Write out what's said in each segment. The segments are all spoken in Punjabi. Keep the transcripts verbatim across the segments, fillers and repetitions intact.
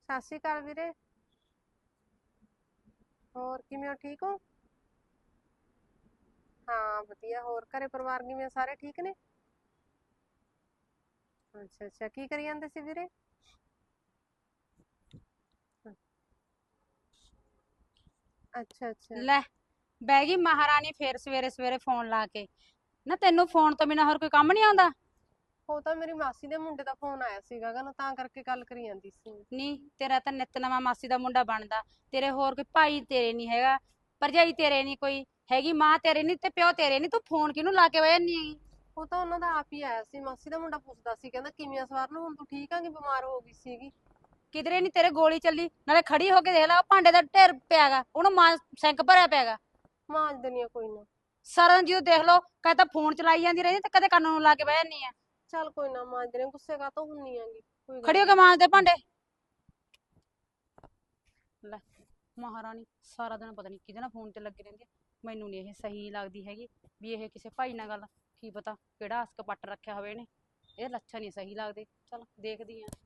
ਸਤਿ ਸ਼੍ਰੀ ਅਕਾਲ ਵੀਰੇ। ਹੋਰ ਕਿਵੇਂ ਹੋ, ਠੀਕ ਹੋ? ਹਾਂ ਵਧੀਆ। ਹੋਰ ਘਰੇ ਪਰਿਵਾਰ ਕਿਵੇਂ, ਸਾਰੇ ਠੀਕ ਨੇ? ਅੱਛਾ ਅੱਛਾ, ਕੀ ਕਰੀ ਜਾਂਦੇ ਸੀ ਵੀਰੇ? ਅੱਛਾ ਅੱਛਾ। ਲੈ, ਬਹਿ ਗਈ ਮਹਾਰਾਣੀ ਫੇਰ ਸਵੇਰੇ ਸਵੇਰੇ ਫੋਨ ਲਾ ਕੇ। ਨਾ ਤੈਨੂੰ ਫੋਨ ਤੋਂ ਬਿਨਾਂ ਹੋਰ ਕੋਈ ਕੰਮ ਨਹੀਂ ਆਉਂਦਾ? ਉਹ ਤਾਂ ਮੇਰੀ ਮਾਸੀ ਦੇ ਮੁੰਡੇ ਦਾ ਫੋਨ ਆਇਆ ਸੀਗਾ ਗਾ ਨਾ, ਤਾਂ ਕਰਕੇ ਗੱਲ ਕਰੀ ਜਾਂਦੀ ਸੀ। ਨਹੀਂ, ਤੇਰਾ ਤਾਂ ਨਿੱਤ ਨਵਾਂ ਮਾਸੀ ਦਾ ਮੁੰਡਾ ਬਣਦਾ। ਤੇਰੇ ਹੋਰ ਕੋਈ ਭਾਈ ਤੇਰੇ ਨਹੀਂ ਹੈਗਾ, ਭਰਜਾਈ ਤੇਰੇ ਨਹੀਂ ਕੋਈ ਹੈਗੀ, ਮਾਂ ਤੇਰੇ ਨਹੀਂ ਤੇ ਪਿਓ ਤੇਰੇ ਨਹੀਂ, ਤੂੰ ਫੋਨ ਕਿਹਨੂੰ ਲਾ ਕੇ ਬਹਿ ਜਾਂਦੀ ਹੈਗੀ? ਉਹ ਤਾਂ ਉਹਨਾਂ ਦਾ ਆਪ ਹੀ ਆਇਆ ਸੀ, ਮਾਸੀ ਦਾ ਮੁੰਡਾ ਪੁੱਛਦਾ ਸੀ, ਕਹਿੰਦਾ ਕਿਵੇਂ ਆ ਸਵਰਨ, ਹੁਣ ਤੂੰ ਠੀਕ ਆ ਕਿ ਬਿਮਾਰ ਹੋ ਗਈ ਸੀਗੀ? ਕਿਧਰੇ ਨਹੀਂ ਤੇਰੇ ਗੋਲੀ ਚੱਲੀ, ਨਾਲੇ ਖੜੀ ਹੋ ਕੇ ਦੇਖ ਲੈ, ਉਹ ਭਾਂਡੇ ਦਾ ਢੇਰ ਪਿਆਗਾ, ਉਹਨੂੰ ਮਾਂ ਸਿੰਕ ਭਰਿਆ ਪਿਆਗਾ। ਮਾਂਜ ਦਿੰਦੀ ਆ ਕੋਈ ਨਾ। ਸਾਰਾ ਦਿਨ ਜਦੋਂ ਦੇਖ ਲੋ ਕਦੇ ਤਾਂ ਫੋਨ ਚਲਾਈ ਜਾਂਦੀ ਰਹਿੰਦੀ ਤੇ ਕਦੇ ਕੰਨ ਨੂੰ ਲਾ ਕੇ ਬਹਿ ਜਾਂਦੀ ਆ। ਚੱਲ ਕੋਈ ਨਾ, ਮਾਂਜ ਦਿੰਦੀ ਆ, ਗੁੱਸੇ ਕਾਹਤੋਂ ਹੁੰਨੀ ਆਂਗੀ, ਕੋਈ ਗੱਲ ਖੜੀ ਹੋ ਕੇ ਨੀ। ਮਾਂਜਦੇ ਭਾਂਡੇ। ਲੈ, ਮਹਾਰਾਣੀ ਸਾਰਾ ਦਿਨ ਪਤਾ ਨਹੀਂ ਕਿਹਦੇ ਨਾਲ ਫੋਨ ਤੇ ਲੱਗੀ ਰਹਿੰਦੀ ਆ। ਮੈਨੂੰ ਨਹੀਂ ਇਹ ਸਹੀ ਲੱਗਦੀ ਹੈਗੀ ਵੀ ਇਹ ਕਿਸੇ ਭਾਈ ਨਾਲ ਗੱਲ, ਕੀ ਪਤਾ ਕਿਹੜਾ ਅਸਕ ਪੱਟ ਰੱਖਿਆ ਹੋਵੇ ਇਹਨੇ। ਇਹ ਲੱਛਣ ਨਹੀਂ ਸਹੀ ਲੱਗਦੇ। ਚਲ ਦੇਖਦੀ ਆ।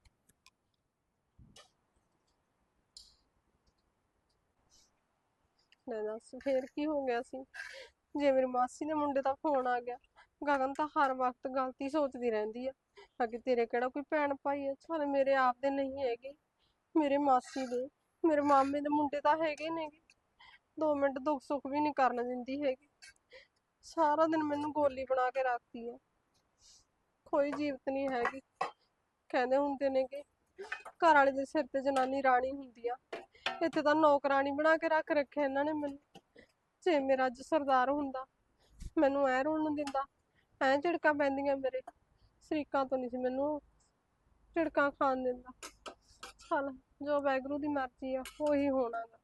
ਲੈ ਦੱਸ ਫੇਰ ਕੀ ਹੋ ਗਿਆ ਸੀ? ਜੇ ਮੇਰੀ ਮਾਸੀ ਦੇ ਮੁੰਡੇ ਦਾ ਫੋਨ ਆ ਗਿਆ। ਗਗਨ ਤਾਂ ਹਰ ਵਕਤ ਗਲਤੀ ਸੋਚਦੀ ਰਹਿੰਦੀ ਆ, ਅੱਗੇ ਤੇਰੇ ਕਿਹੜਾ ਕੋਈ ਭੈਣ ਭਾਈ ਆ? ਚੱਲ ਮੇਰੇ ਆਪ ਦੇ ਨਹੀਂ ਹੈਗੇ, ਮੇਰੇ ਮਾਸੀ ਦੇ, ਮੇਰੇ ਮਾਮੇ ਦੇ ਮੁੰਡੇ ਤਾਂ ਹੈਗੇ ਨੇਗੇ। ਦੋ ਮਿੰਟ ਦੁੱਖ ਸੁੱਖ ਵੀ ਨਹੀਂ ਕਰਨ ਦਿੰਦੀ ਹੈਗੀ, ਸਾਰਾ ਦਿਨ ਮੈਨੂੰ ਗੋਲੀ ਬਣਾ ਕੇ ਰੱਖਦੀ ਆ। ਕੋਈ ਜੀਵਤ ਨਹੀਂ ਹੈਗੀ। ਕਹਿੰਦੇ ਹੁੰਦੇ ਨੇ ਕਿ ਘਰ ਵਾਲੇ ਦੇ ਸਿਰ ਤੇ ਜਨਾਨੀ ਰਾਣੀ ਹੁੰਦੀ ਆ, ਇੱਥੇ ਤਾਂ ਨੌਕਰਾਣੀ ਬਣਾ ਕੇ ਰੱਖ ਰੱਖਿਆ ਇਹਨਾਂ ਨੇ ਮੈਨੂੰ। ਜੇ ਮੇਰਾ ਅੱਜ ਸਰਦਾਰ ਹੁੰਦਾ, ਮੈਨੂੰ ਐ ਰੋਣ ਨੂੰ ਦਿੰਦਾ, ਐ ਝਿੜਕਾਂ ਪੈਂਦੀਆਂ ਮੇਰੇ। ਸ਼ਰੀਕਾਂ ਤੋਂ ਨਹੀਂ ਸੀ ਮੈਨੂੰ ਝਿੜਕਾਂ ਖਾਣ ਦਿੰਦਾ। ਚੱਲ ਜੋ ਵਾਹਿਗੁਰੂ ਦੀ ਮਰਜ਼ੀ ਆ ਉਹੀ ਹੋਣਾ ਗਾ।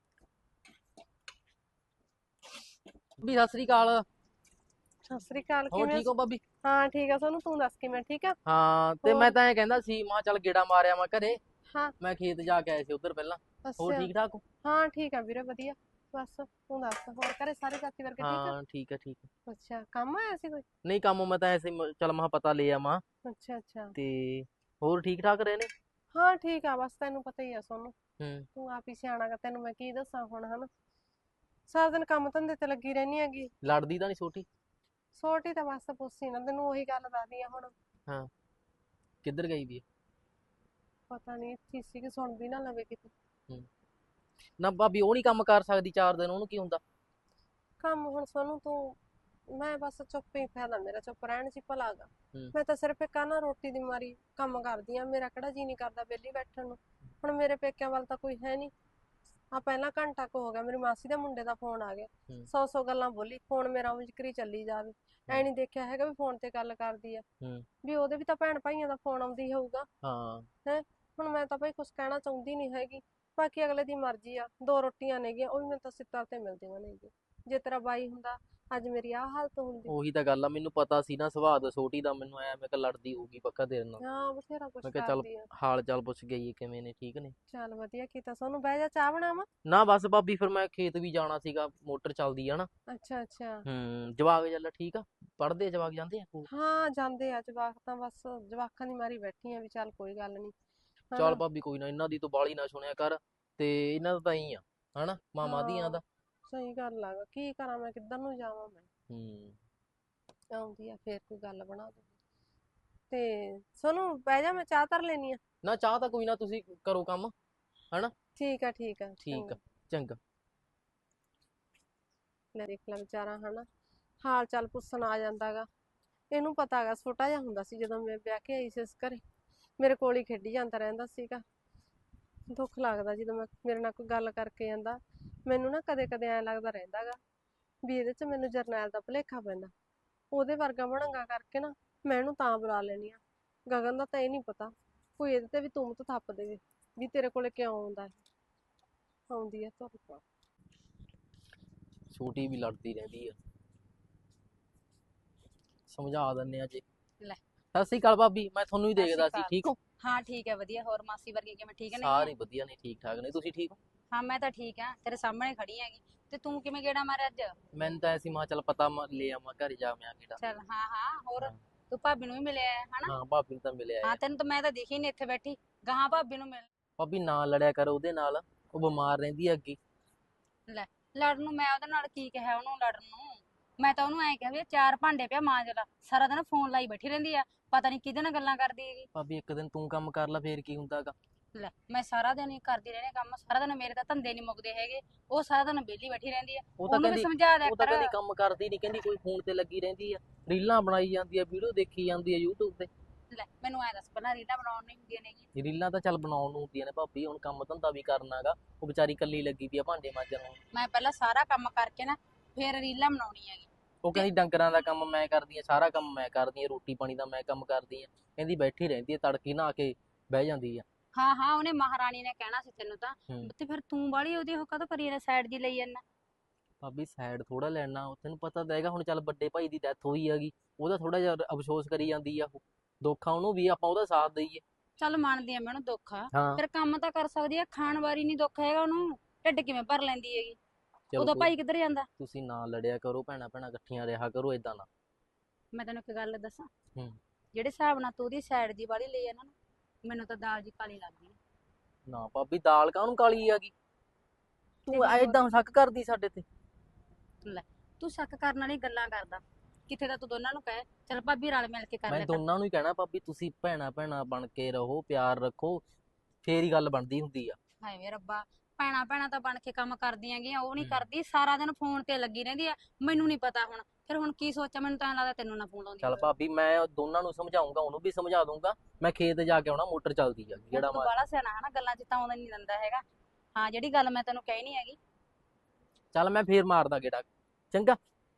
ਭਾਬੀ ਸਤਿ ਸ੍ਰੀ ਅਕਾਲ। ਸਤਿ ਸ੍ਰੀ ਅਕਾਲ, ਹੋਰ ਕਿਵੇਂ? ਠੀਕ ਹੋ ਭਾਬੀ? ਹਾਂ ਠੀਕ ਆ ਸੋਨੂੰ, ਤੂੰ ਦੱਸ ਕਿਵੇਂ, ਠੀਕ ਆ? ਹਾਂ, ਤੇ ਮੈਂ ਹੋਰ? ਤਾਂ ਐਂ ਕਹਿੰਦਾ ਸੀ, ਮਾਂ ਚੱਲ ਗੇੜਾ ਮਾਰਿਆ ਮੈਂ ਘਰੇ। ਹਾਂ। ਮੈਂ ਖੇਤ ਜਾ ਕੇ ਆਇਆ ਸੀ ਉਧਰ ਪਹਿਲਾਂ। ਹੋਰ ਅੱਛਾ। ਠੀਕ ਠਾਕ ਹੋ? ਹਾਂ ਠੀਕ ਆ ਵੀਰੇ, ਵਧੀਆ। ਬਸ ਤੂੰ ਦੱਸ, ਹੋਰ ਘਰੇ ਸਾਰੇ ਚਾਚੀ ਵਰਗੇ ਠੀਕ ਆ? ਹਾਂ ਠੀਕ ਹੈ ਠੀਕ ਹੈ। ਅੱਛਾ, ਕੰਮ ਆਇਆ ਸੀ ਕੋਈ? ਨਹੀਂ ਕੰਮ ਮੈਂ ਤਾਂ ਐਸੇ ਮ- ਚੱਲ ਮੈਂ ਪਤਾ ਲੈ ਆਵਾਂ। ਅੱਛਾ ਅੱਛਾ। ਤੇ ਹੋਰ ਠੀਕ ਠਾਕ ਰਹੇ ਨੇ? ਹਾਂ ਠੀਕ ਆ, ਬਸ ਤੈਨੂੰ ਪਤਾ ਹੀ ਆ ਸੋਨੂੰ, ਹੂੰ। ਤੂੰ ਆਪ ਹੀ ਸਿਆਣਾ ਗਾ, ਤੈਨੂੰ ਮੈਂ ਕੀ ਦੱਸਾਂ ਹੁਣ, ਹਨਾ। ਸਾਰਾ ਦਿਨ ਕੰਮ ਧੰਦੇ ਤੇ ਲੱਗੀ ਰਹਿੰਦੀ ਹੈਗੀ। ਲੜਦੀ ਤਾਂ ਨਹੀਂ ਛੋਟੀ? ਛੋਟੀ ਤਾਂ ਬਸ ਪੁੱਛੀ ਨਾ, ਤੈਨੂੰ ਉਹੀ ਗੱਲ ਦੱਸਦੀ ਆ ਹੁਣ। ਹਾਂ, ਕਿੱਧਰ ਗਈ ਵੀ ਹੈ? ਪਤਾ ਨਹੀਂ ਇੱਥੇ ਸੀ ਕਿ ਸੁਣਦੀ ਨਾ ਲਵੇ ਕਿਤੇ। ਹੂੰ। ਨਾ ਭਾਬੀ ਉਹ ਨਹੀਂ ਕੰਮ ਕਰ ਸਕਦੀ ਚਾਰ ਦਿਨ, ਉਹਨੂੰ ਕੀ ਹੁੰਦਾ? ਕੰਮ ਹੁਣ ਸੋਨੂੰ ਤੂੰ, ਮੈਂ ਬਸ ਚੁੱਪ ਹੀ ਫਾਇਦਾ ਮੇਰਾ, ਚੁੱਪ ਰਹਿਣ 'ਚ ਹੀ ਭਲਾ ਗਾ। ਹੂੰ। ਮੈਂ ਤਾਂ ਸਿਰਫ ਇੱਕ ਆ ਨਾ ਰੋਟੀ ਦੀ ਮਾਰੀ ਕੰਮ ਕਰਦੀ ਆ, ਮੇਰਾ ਕਿਹੜਾ ਜੀ ਨਹੀਂ ਕਰਦਾ ਵਿਹਲੀ ਬੈਠਣ ਨੂੰ। ਹੁਣ ਮੇਰੇ ਪੇਕਿਆਂ ਵੱਲ ਤਾਂ ਕੋਈ ਹੈ ਨਹੀਂ। ਆ ਪਹਿਲਾਂ ਘੰਟਾ ਕੁ ਹੋ ਗਿਆ ਮੇਰੀ ਮਾਸੀ ਦੇ ਮੁੰਡੇ ਦਾ ਫੋਨ ਆ ਗਿਆ, ਹੂੰ। ਸੌ ਸੌ ਗੱਲਾਂ ਬੋਲੀ, ਫੋਨ ਮੇਰਾ ਉਂਝ ਕਰੀ ਚੱਲੀ ਜਾਵੇ। ਐ ਨਹੀਂ ਦੇਖਿਆ ਹੈਗਾ ਵੀ ਫੋਨ ਤੇ ਗੱਲ ਕਰਦੀ ਆ, ਹੂੰ। ਵੀ ਉਹਦੇ ਵੀ ਤਾਂ ਭੈਣ ਭਾਈਆਂ ਦਾ ਫੋਨ ਆਉਂਦੀ ਹੋਊਗਾ। ਹਾਂ। ਹੈ, ਹੁਣ ਮੈਂ ਤਾਂ ਭਾਈ ਕੁਛ ਕਹਿਣਾ ਚਾਹੁੰਦੀ ਨਹੀਂ ਹੈਗੀ, ਬਾਕੀ ਅਗਲੇ ਦੀ ਮਰਜ਼ੀ ਆ। ਦੋ ਰੋਟੀਆਂ ਨੇਗੀਆਂ, ਉਹ ਵੀ ਮੈਨੂੰ ਤਾਂ ਸਿੱਧਾਂ ਤੇ ਮਿਲਦੀਆਂ ਨੇਗੀਆਂ। ਜੇ ਤੇਰਾ ਬਾਈ ਹੁੰਦਾ ਅੱਜ ਮੇਰੀ ਆਹ ਹਾਲਤ ਹੁੰਦੀ। ਉਹੀ ਤਾਂ ਗੱਲ ਆ, ਮੈਨੂੰ ਪਤਾ ਸੀ ਨਾ ਸੁਭਾਅ ਦਾ ਛੋਟੀ ਦਾ, ਮੈਨੂੰ ਐ ਮੈਂ ਕਿਹਾ ਲੜਦੀ ਹੋਊਗੀ ਪੱਕਾ ਤੇਰੇ ਨਾਲ। ਹਾਂ ਬਥੇਰਾ ਕੁਛ ਮੈਂ ਕਿਹਾ ਚੱਲ ਕਰਦੀ ਆ। ਹਾਲ ਚਾਲ ਪੁੱਛ ਗਈ ਕਿਵੇਂ ਨੇ, ਠੀਕ ਨੇ? ਚੱਲ ਵਧੀਆ ਕੀਤਾ, ਸੋਨੂੰ ਬਹਿ ਜਾ, ਚਾਹ ਬਣਾਵਾਂ? ਨਾ ਬਸ ਭਾਬੀ, ਫਿਰ ਮੈਂ ਖੇਤ ਵੀ ਜਾਣਾ ਸੀਗਾ, ਮੋਟਰ ਚੱਲਦੀ ਆ ਨਾ। ਅੱਛਾ ਅੱਛਾ। ਹੂੰ। ਜਵਾਕ ਚੱਲ ਠੀਕ ਆ? ਪੜ੍ਹਦੇ ਜਵਾਕ, ਜਾਂਦੇ ਆ ਸਕੂਲ? ਹਾਂ ਜਾਂਦੇ ਆ ਜਵਾਕ ਤਾਂ, ਬਸ ਜਵਾਕਾਂ ਦੀ ਮਾਰੀ ਬੈਠੀ ਆ ਵੀ ਚੱਲ ਕੋਈ ਗੱਲ ਨਹੀਂ, ਚੱਲ ਹਨਾ। ਭਾਬੀ ਕੋਈ ਨਾ, ਇਹਨਾਂ ਦੀ ਤੂੰ ਬਾਹਲੀ ਨਾ ਸੁਣਿਆ ਕਰ, ਤੇ ਇਹਨਾਂ ਦਾ ਤਾਂ ਹੀ ਆ ਹਨਾ, ਮਾਮਾ ਦੀਆਂ ਹਾਂ ਦਾ। ਸਹੀ ਗੱਲ ਆ, ਕੀ ਕਰਾਂ ਮੈਂ, ਕਿੱਧਰ ਨੂੰ ਜਾਵਾਂ ਮੈਂ। ਹੂੰ। ਆਉਂਦੀ ਆ ਫੇਰ ਕੋਈ ਗੱਲ ਬਣਾ ਦੂ। ਤੇ ਸੋਨੂੰ ਬਹਿ ਜਾ, ਮੈਂ ਚਾਹ ਧਰ ਲੈਣੀ ਆ। ਨਾ ਚਾਹ ਤਾਂ ਕੋਈ ਨਾ, ਤੁਸੀਂ ਕਰੋ ਕੰਮ, ਹਨਾ। ਠੀਕ ਆ ਠੀਕ ਆ, ਠੀਕ ਚੰਗਾ। ਆ, ਚੰਗਾ। ਲੈ ਦੇਖ ਲੈ ਵਿਚਾਰਾ, ਹਨਾ ਹਾਲ ਚਾਲ ਪੁੱਛਣ ਆ ਜਾਂਦਾ ਗਾ। ਇਹਨੂੰ ਪਤਾ ਗਾ, ਛੋਟਾ ਜਿਹਾ ਹੁੰਦਾ ਸੀ ਜਦੋਂ ਮੈਂ ਵਿਆਹ ਕੇ ਆਈ ਸੀ ਇਸ ਘਰੇ, ਮੇਰੇ ਕੋਲ ਹੀ ਖੇਡੀ ਜਾਂਦਾ ਰਹਿੰਦਾ ਸੀਗਾ। ਦੁੱਖ ਲੱਗਦਾ ਜਦੋਂ ਮੈਂ ਮੇਰੇ ਨਾਲ ਕੋਈ ਗੱਲ ਕਰਕੇ ਜਾਂਦਾ, ਮੈਨੂੰ ਨਾ ਕਦੇ ਕਦੇ ਐਂ ਲੱਗਦਾ ਰਹਿੰਦਾ ਗਾ ਵੀ ਇਹਦੇ 'ਚ ਮੈਨੂੰ ਜਰਨੈਲ ਦਾ ਭੁਲੇਖਾ ਪੈਂਦਾ। ਉਹਦੇ ਵਰਗਾ ਬਣਾਂਗਾ ਕਰਕੇ ਨਾ ਮੈਂ ਇਹਨੂੰ ਤਾਂ ਬੁਲਾ ਲੈਣੀ ਆ। ਗਗਨ ਦਾ ਤਾਂ ਇਹ ਨਹੀਂ ਪਤਾ, ਕੋਈ ਇਹਦੇ ਤੇ ਵੀ ਤੁਮਤ ਥੱਪ ਦੇਵੇ ਵੀ ਤੇਰੇ ਕੋਲੇ ਕਿਉਂ ਆਉਂਦਾ ਇਹ। ਆਉਂਦੀ ਆ ਤੁਹਾਡੇ ਕੋਲ। ਛੋਟੀ ਵੀ ਲੜਦੀ ਰਹਿੰਦੀ ਆ, ਸਮਝਾ ਦਿੰਨੇ ਆ ਜੀ। ਲੈ, ਸਤਿ ਸ੍ਰੀ ਅਕਾਲ ਭਾਬੀ, ਮੈਂ ਤੁਹਾਨੂੰ ਹੀ ਸਤਿ ਸ਼੍ਰੀ ਦੇਖਦਾ ਸੀ, ਅਕਾਲ। ਠੀਕ ਹੋ? ਹਾਂ ਠੀਕ ਹੈ, ਵਧੀਆ। ਹੋਰ ਮਾਸੀ ਵਰਗੀ ਕਿਵੇਂ, ਠੀਕ ਨਹੀਂ ਹੈ? ਸਾਰੇ ਵਧੀਆ ਨੇ, ਠੀਕ ਠਾਕ ਨੇ, ਤੁਸੀਂ ਠੀਕ ਹੋ? ਹਾਂ ਮੈਂ ਤਾਂ ਠੀਕ ਆ, ਤੇਰੇ ਸਾਹਮਣੇ ਖੜੀ ਹੈਗੀ। ਤੇ ਤੂੰ ਕਿਵੇਂ ਗੇੜਾ ਮਾਰਿਆ ਅੱਜ? ਮੈਨੂੰ ਤਾਂ ਐਸੀ ਮਾਂ ਚੱਲ ਪਤਾ ਮੈਂ ਲੈ ਆਵਾਂ, ਘਰ ਜਾ ਮੈਂ ਕਿਹੜਾ। ਚੱਲ ਹਾਂ ਹਾਂ, ਹੋਰ ਹਾਂ। ਤੂੰ ਭਾਬੀ ਨੂੰ ਵੀ ਮਿਲਿਆ ਹੈ, ਹਨਾ? ਹਾਂ ਭਾਬੀ ਨੂੰ ਤਾਂ ਮਿਲਿਆ ਹਾਂ ਹੈ। ਤੈਨੂੰ ਤਾਂ ਮੈਂ ਤਾਂ ਦਿਖੀ ਨਹੀਂ ਇੱਥੇ ਬੈਠੀ, ਗਾਹਾਂ ਭਾਬੀ ਨੂੰ ਮਿਲ। ਭਾਬੀ ਨਾ ਲੜਿਆ ਕਰ ਉਹਦੇ ਨਾਲ, ਉਹ ਬਿਮਾਰ ਰਹਿੰਦੀ ਆ ਅੱਗੇ। ਲੈ ਲੜਨ ਨੂੰ ਮੈਂ ਉਹਦੇ ਨਾਲ ਕੀ ਕਿਹਾ ਉਹਨੂੰ ਲੜਨ ਨੂੰ? ਮੈਂ ਤਾਂ ਉਹਨੂੰ ਐਂ ਕਿਹਾ ਵੀ ਇਹ ਚਾਰ ਭਾਂਡੇ ਪਿਆ ਮਾਂਜ ਲਾ, ਸਾਰਾ ਦਿਨ ਫੋਨ ਲਾਈ ਬੈਠੀ ਰਹਿੰਦੀ ਆ, ਪਤਾ ਨਹੀਂ ਕਿਹਦੇ ਨਾਲ ਗੱਲਾਂ ਕਰਦੀ ਹੈਗੀ। ਭਾਬੀ ਇੱਕ ਦਿਨ ਤੂੰ ਕੰਮ ਕਰ ਲੈ ਫੇਰ ਕੀ ਹੁੰਦਾਗਾ। ਲੈ ਮੈਂ ਸਾਰਾ ਦਿਨ ਹੀ ਕਰਦੀ ਰਹਿੰਦੀ ਕੰਮ, ਸਾਰਾ ਦਿਨ ਮੇਰੇ ਤਾਂ ਧੰਦੇ ਨਹੀਂ ਮੁੱਕਦੇ ਹੈਗੇ, ਉਹ ਸਾਰਾ ਦਿਨ ਵਿਹਲੀ ਬੈਠੀ ਰਹਿੰਦੀ ਆ। ਉਹ ਤਾਂ ਉਹਨੂੰ ਵੀ ਕਹਿੰਦੀ ਸਮਝਾ ਦਿਆ ਉਹ ਤਾਂ ਕਰ। ਕਹਿੰਦੀ ਕੰਮ ਕਰਦੀ ਨਹੀਂ, ਕਹਿੰਦੀ ਕੋਈ ਫੋਨ ਤੇ ਲੱਗੀ ਰਹਿੰਦੀ ਆ, ਰੀਲਾਂ ਬਣਾਈ ਜਾਂਦੀ ਆ, ਵੀਡੀਓ ਦੇਖੀ ਜਾਂਦੀ ਆ YouTube ਤੇ। ਲੈ ਮੈਨੂੰ ਐਂ ਦੱਸ, ਪਹਿਲਾਂ ਰੀਲਾਂ ਬਣਾਉਣ ਨਹੀਂ ਹੁੰਦੀਆਂ ਨੇਗੀ? ਇਹ ਰੀਲਾਂ ਤਾਂ ਚੱਲ ਬਣਾਉਣ ਨੂੰ ਹੁੰਦੀਆਂ ਨੇ ਭਾਬੀ, ਹੁਣ ਕੰਮ ਧੰਦਾ ਵੀ ਕਰਨਾਗਾ। ਉਹ ਵਿਚਾਰੀ ਕੱਲੀ ਲੱਗੀ ਪਈ ਆ ਭਾਂਡੇ ਮਾਂਜਣ ਨੂੰ। ਮੈਂ ਪਹਿਲਾਂ ਸਾਰਾ ਕੰਮ ਕਰਕੇ ਨਾ ਫੇਰ ਰੀਲਾਂ ਬਣਾਉਣੀ ਹੈਗੀ। ਉਹ ਕਹਿੰਦੀ ਡੰਗਰਾਂ ਦਾ ਕੰਮ ਮੈਂ ਕਰਦੀ ਆ, ਸਾਰਾ ਕੰਮ ਮੈਂ ਕਰਦੀ ਆ, ਰੋਟੀ ਪਾਣੀ ਦਾ ਮੈਂ ਕੰਮ ਕਰਦੀ ਆ। ਕਹਿੰਦੀ ਬੈਠੀ ਰਹਿੰਦੀ ਆ, ਤੜਕੀ ਨਹਾ ਕੇ ਬਹਿ ਜਾਂਦੀ ਆ। ਹਾਂ ਹਾਂ ਉਹਨੇ ਮਹਾਰਾਣੀ ਨੇ ਕਹਿਣਾ ਸੀ ਤੈਨੂੰ ਤਾਂ। ਹੂੰ। ਤੇ ਫਿਰ ਤੂੰ ਬਾਹਲੀ ਉਹਦੀ ਉਹ ਕਾਹਤੋਂ ਕਰੀ ਜਾਂਦਾ, ਸਾਈਡ ਜੀ ਲਈ ਜਾਂਦਾ? ਭਾਬੀ ਸਾਈਡ ਥੋੜਾ ਲੈਣਾ, ਤੈਨੂੰ ਪਤਾ ਤਾਂ ਹੈਗਾ ਹੁਣ ਚੱਲ ਵੱਡੇ ਭਾਈ ਦੀ ਡੈਥ ਹੋਈ ਹੈਗੀ, ਉਹਦਾ ਥੋੜਾ ਜਿਹਾ ਅਫਸੋਸ ਕਰੀ ਜਾਂਦੀ ਆ। ਉਹ ਦੁੱਖ ਆ ਉਹਨੂੰ ਵੀ, ਆਪਾਂ ਉਹਦਾ ਸਾਥ ਦਈਏ। ਚੱਲ ਮੰਨਦੀ ਆ ਮੈਂ ਉਹਨੂੰ ਦੁੱਖ ਆ, ਹਾਂ ਫਿਰ ਕੰਮ ਤਾਂ ਕਰ ਸਕਦੀ ਆ, ਖਾਣ ਵਾਰੀ ਨਹੀਂ ਦੁੱਖ ਹੈਗਾ ਉਹਨੂੰ, ਢਿੱਡ ਕਿਵੇਂ ਭਰ ਲੈਂਦੀ ਹੈਗੀ? ਚਲੋ ਉਹਦਾ ਕੋਈ- ਭਾਈ ਕਿੱਧਰ ਜਾਂਦਾ? ਤੁਸੀਂ ਨਾ ਲੜਿਆ ਕਰੋ, ਭੈਣਾਂ ਭੈਣਾਂ ਇਕੱਠੀਆਂ ਰਿਹਾ ਕਰੋ, ਏਦਾਂ ਨਾ। ਮੈਂ ਤੈਨੂੰ ਇੱਕ ਗੱਲ ਦੱਸਾਂ, ਹੂੰ। ਜਿਹੜੇ ਹਿਸਾਬ ਨਾਲ ਤੂੰ ਉਹਦੀ ਸਾਈਡ ਜੀ ਵਾਲੀ ਲਈ ਆ ਨਾ, ਮੈਨੂੰ ਤਾਂ ਦਾਲ ਜੀ ਕਾਲੀ ਲੱਗਦੀ ਆ। ਨਾ ਭਾਬੀ ਦਾਲ ਕਾਹਨੂੰ ਕਾਲੀ ਹੈਗੀ, ਤੂੰ ਤੇ ਹੋਰ? ਏਦਾਂ ਸ਼ੱਕ ਕਰਦੀ ਸਾਡੇ ਤੇ। ਲੈ ਤੂੰ ਸ਼ੱਕ ਕਰਨ ਵਾਲੀ ਗੱਲਾਂ ਕਰਦਾ, ਕਿੱਥੇ ਤਾਂ ਤੂੰ ਦੋਨਾਂ ਨੂੰ ਕਹੇ ਚੱਲ ਭਾਬੀ ਰਲ ਮਿਲ ਕੇ ਕਰ ਮੈਂ ਲੈ ਕਰ। ਦੋਨਾਂ ਨੂੰ ਹੀ ਕਹਿਣਾ ਭਾਬੀ, ਤੁਸੀਂ ਭੈਣਾਂ ਭੈਣਾਂ ਬਣ ਕੇ ਰਹੋ, ਪਿਆਰ ਰੱਖੋ, ਫੇਰ ਹੀ ਗੱਲ ਬਣਦੀ ਹੁੰਦੀ ਆ। ਹਾਏ ਵੇ ਰੱਬਾ, ਭੈਣਾਂ ਭੈਣਾਂ ਤਾਂ ਬਣ ਕੇ ਕੰਮ ਕਰਦੀਆਂ ਗੀਆਂ, ਉਹ ਨਹੀਂ ਹੂੰ। ਕਰਦੀ, ਸਾਰਾ ਦਿਨ ਫੋਨ ਤੇ ਲੱਗੀ ਰਹਿੰਦੀ ਆ। ਮੈਨੂੰ ਨਹੀਂ ਪਤਾ ਹੁਣ ਫਿਰ ਹੁਣ ਕੀ ਸੋਚਾਂ, ਮੈਨੂੰ ਤਾਂ ਐਂ ਲੱਗਦਾ ਤੈਨੂੰ ਨਾ ਫੋਨ ਲਾਉਂਦੀ ਚੱਲ ਹੋਵੇ। ਭਾਬੀ ਮੈਂ ਦੋਨਾਂ ਨੂੰ ਸਮਝਾਉਂਗਾ, ਉਹਨੂੰ ਵੀ ਸਮਝਾ ਦੂੰਗਾ। ਮੈਂ ਖੇਤ ਜਾ ਕੇ ਆਉਣਾ, ਮੋਟਰ ਚੱਲਦੀ ਆ ਹੁਣ ਜਿਹੜਾ ਤੂੰ ਮਾਰ। ਬਾਹਲਾ ਸਿਆਣਾ ਹਨਾ, ਗੱਲਾਂ 'ਚ ਤਾਂ ਆਉਂਦਾ ਨਹੀਂ ਦਿੰਦਾ ਹੈਗਾ। ਹਾਂ ਜਿਹੜੀ ਗੱਲ ਮੈਂ ਤੈਨੂੰ ਕਹੀ ਨਹੀਂ ਹੈਗੀ। ਚੱਲ ਮੈਂ ਫੇਰ ਮਾਰਦਾ ਗੇੜਾ, ਚੰਗਾ।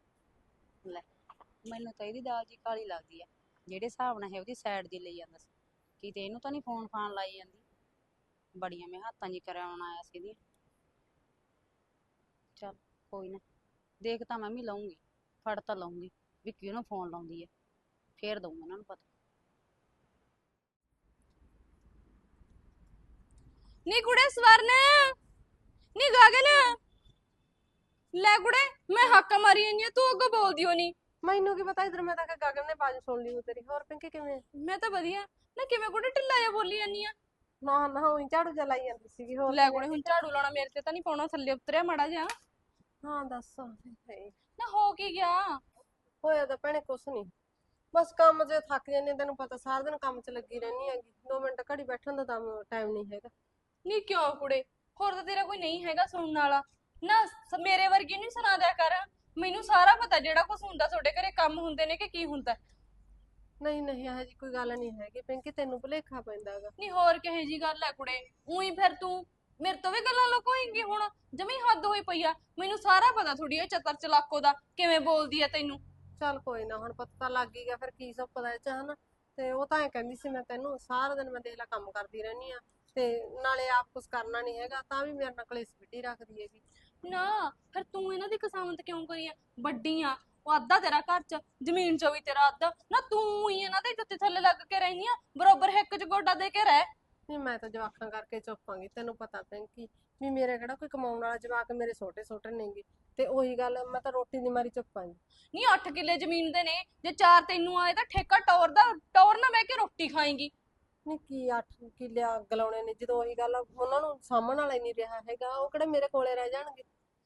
ਮੈਨੂੰ ਤਾਂ ਇਹਦੀ ਦਾਲ ਜੀ ਕਾਲੀ ਲੱਗਦੀ ਆ, ਜਿਹੜੇ ਹਿਸਾਬ ਨਾਲ ਹੈ ਉਹਦੀ ਸਾਈਡ ਦੀ ਲਈ ਜਾਂਦਾ ਸੀ, ਕਿਤੇ ਇਹਨੂੰ ਤਾਂ ਨਹੀਂ ਫੋਨ ਫਾਨ ਲਾਈ ਜਾਂਦੀ। ਬੜੀਆਂ ਮੈਂ ਹੱਥਾਂ ਜੀ ਕਰਾਉਣ ਆਇਆ ਸੀ ਇਹਦੀ। ਚੱਲ ਕੋਈ ਨਾ, ਦੇਖ ਤਾਂ ਮੈਂ ਵੀ ਲਊਂਗੀ, ਫੜ ਤਾਂ ਲਊਂਗੀ ਵੀ ਕਿਹਨੂੰ ਫੋਨ ਲਾਉਂਦੀ ਹੈ, ਫੇਰ ਦਊਂ ਇਹਨਾਂ ਨੂੰ ਪਤਾ। ਨੀ ਕੁੜੇ ਸਵਰਨ, ਨੀ ਗਗਨ, ਲੈ ਕੁੜੇ ਮੈਂ ਹੱਕ ਮਾਰੀ ਜਾਂਦੀ ਆ, ਤੂੰ ਅੱਗੋਂ ਬੋਲਦੀ ਹੋ ਨੀ। ਮੈਨੂੰ ਕੀ ਪਤਾ, ਇਧਰ ਮੈਂ ਤਾਂ ਕਿ ਗਗਨ ਨੇ ਬਾਜ ਸੁਣ ਲਈ ਹੋ ਤੇਰੀ। ਹੋਰ ਪਿੰਕੀ ਕਿਵੇਂ? ਮੈਂ ਤਾਂ ਵਧੀਆ ਨਾ, ਕਿਵੇਂ ਕੁੜੇ ਢਿੱਲਾ ਜਿਹਾ ਬੋਲੀ ਜਾਂਦੀ ਆ? ਨਾ ਨਾ ਉਹੀ ਝਾੜੂ ਜਲਾਈ ਜਾਂਦੀ ਸੀਗੀ। ਹੋਰ ਲੈ ਕਿਵੇਂ? ਕੁੜੇ ਹੁਣ ਝਾੜੂ ਲਾਉਣਾ ਮੇਰੇ ਤੇ ਤਾਂ ਨਹੀਂ ਪਾਉਣਾ, ਥੱਲੇ ਉਤਰਿਆ ਮਾੜਾ ਜਿਹਾ। ਹਾਂ ਦੱਸ। ਹਾਏ, ਨਾ ਹੋ ਕੀ ਗਿਆ? ਹੋਇਆ ਤਾਂ ਭੈਣੇ ਕੁਛ ਨਹੀਂ, ਬਸ ਕੰਮ 'ਚ ਥੱਕ ਜਾਂਦੀ ਹਾਂ, ਤੈਨੂੰ ਪਤਾ ਸਾਰਾ ਦਿਨ ਕੰਮ 'ਚ ਲੱਗੀ ਰਹਿੰਦੀ ਹੈਗੀ, ਦੋ ਮਿੰਟ ਘੜੀ ਬੈਠਣ ਦਾ ਤਾਂ ਟਾਈਮ ਨਹੀਂ ਹੈਗਾ। ਨਹੀਂ ਕਿਉਂ ਕੁੜੇ, ਹੋਰ ਤਾਂ ਤੇਰਾ ਕੋਈ ਨਹੀਂ ਹੈਗਾ ਸੁਣਨ ਵਾਲਾ? ਨਾ ਸ- ਮੇਰੇ ਵਰਗੀ ਨਹੀਂ ਸੁਣਾ ਦਿਆ ਕਰ, ਮੈਨੂੰ ਸਾਰਾ ਪਤਾ ਜਿਹੜਾ ਕੁਝ ਹੁੰਦਾ ਤੁਹਾਡੇ ਘਰੇ, ਕੰਮ ਹੁੰਦੇ ਨੇ ਕਿ ਕੀ ਹੁੰਦਾ। ਨਹੀਂ ਨਹੀਂ ਇਹੋ ਜਿਹੀ ਕੋਈ ਗੱਲ ਨਹੀਂ ਹੈਗੀ ਪਿੰਕੀ, ਤੈਨੂੰ ਭੁਲੇਖਾ ਪੈਂਦਾ ਹੈਗਾ। ਨਹੀਂ ਹੋਰ ਕਿਹੇ ਜੀ ਗੱਲ ਹੈ ਕੁੜੇ, ਉਹੀ ਫਿਰ ਤੂੰ ਮੇਰੇ ਤੋਂ ਵੀ ਗੱਲਾਂ ਲੁਕੋਏਂਗੀ ਹੁਣ? ਜਮੀ ਹੱਦ ਹੋਈ ਪਈ ਆ, ਮੈਨੂੰ ਸਾਰਾ ਪਤਾ ਥੋੜੀ ਇਹ ਚਤਰ ਚਲਾਕੋ ਦਾ ਕਿਵੇਂ ਬੋਲਦੀ ਆ ਤੈਨੂੰ। ਚੱਲ ਕੋਈ ਨਾ, ਹੁਣ ਪਤਾ ਤਾਂ ਲੱਗ ਹੀ ਗਿਆ, ਫਿਰ ਕੀ ਸਭ ਪਤਾ ਇਹ 'ਚ ਹਨਾ। ਤੇ ਉਹ ਤਾਂ ਐ ਕਹਿੰਦੀ ਸੀ, ਮੈਂ ਤੈਨੂੰ ਸਾਰਾ ਦਿਨ ਮੈਂ ਦੇਖ ਲਾ ਕੰਮ ਕਰਦੀ ਰਹਿੰਦੀ ਆ, ਤੇ ਨਾਲੇ ਆਪ ਕੁਛ ਕਰਨਾ ਨਹੀਂ ਹੈਗਾ, ਤਾਂ ਵੀ ਮੇਰੇ ਨਾਲ ਕਲੇਸ਼ ਵਿੱਢੀ ਰੱਖਦੀ ਹੈਗੀ। ਨਾ ਫਿਰ ਤੂੰ ਇਹਨਾਂ ਦੀ ਕਸਾਮਤ ਕਿਉਂ ਕਰੀ ਆ? ਵੱਡੀ ਆ, ਉਹ ਅੱਧਾ ਤੇਰਾ ਘਰ ਚ, ਜ਼ਮੀਨ ਚ ਵੀ ਤੇਰਾ ਅੱਧਾ, ਨਾ ਤੂੰ ਹੀ ਇਹਨਾਂ ਦੇ ਜੁੱਤੇ ਥੱਲੇ ਲੱਗ ਕੇ ਰਹਿਨੀ ਆ, ਬਰੋਬਰ ਹਿੱਕ ਚ ਗੋਡਾ ਦੇ ਕੇ ਰਹਿ। ਨਹੀਂ ਮੈਂ ਤਾਂ ਜਵਾਕਾਂ ਕਰਕੇ ਚੁੱਪਾਂਗੀ, ਤੈਨੂੰ ਪਤਾ ਪਿੰਕੀ ਵੀ ਮੇਰੇ ਕਿਹੜਾ ਕੋਈ ਕਮਾਉਣ ਵਾਲਾ ਜਵਾਕ, ਮੇਰੇ ਛੋਟੇ ਛੋਟੇ ਨੇਗੇ, ਤੇ ਉਹੀ ਗੱਲ ਮੈਂ ਤਾਂ ਰੋਟੀ ਦੀ ਮਾਰੀ ਚੁੱਪਾਂਗੀ। ਨਹੀਂ ਅੱਠ ਕਿੱਲੇ ਜ਼ਮੀਨ ਦੇ ਨੇ, ਜੇ ਚਾਰ ਤੈਨੂੰ ਆਏ ਤਾਂ ਠੇਕਾ ਟੌਰ ਦਾ, ਟੌਰ ਨਾ ਬਹਿ ਕੇ ਰੋਟੀ ਖਾਏਂਗੀ। ਨਹੀਂ ਕੀ ਅੱਠ ਕਿੱਲੇ ਅੱਗ ਲਾਉਣੇ ਨੇ, ਜਦੋਂ ਉਹੀ ਗੱਲ ਆ, ਉਹਨਾਂ ਨੂੰ ਸਾਂਭਣ ਵਾਲਾ ਹੀ ਨਹੀਂ ਰਿਹਾ ਹੈਗਾ, ਉਹ ਕਿਹੜੇ ਮੇਰੇ ਕੋਲੇ ਰਹਿ ਜਾਣਗੇ।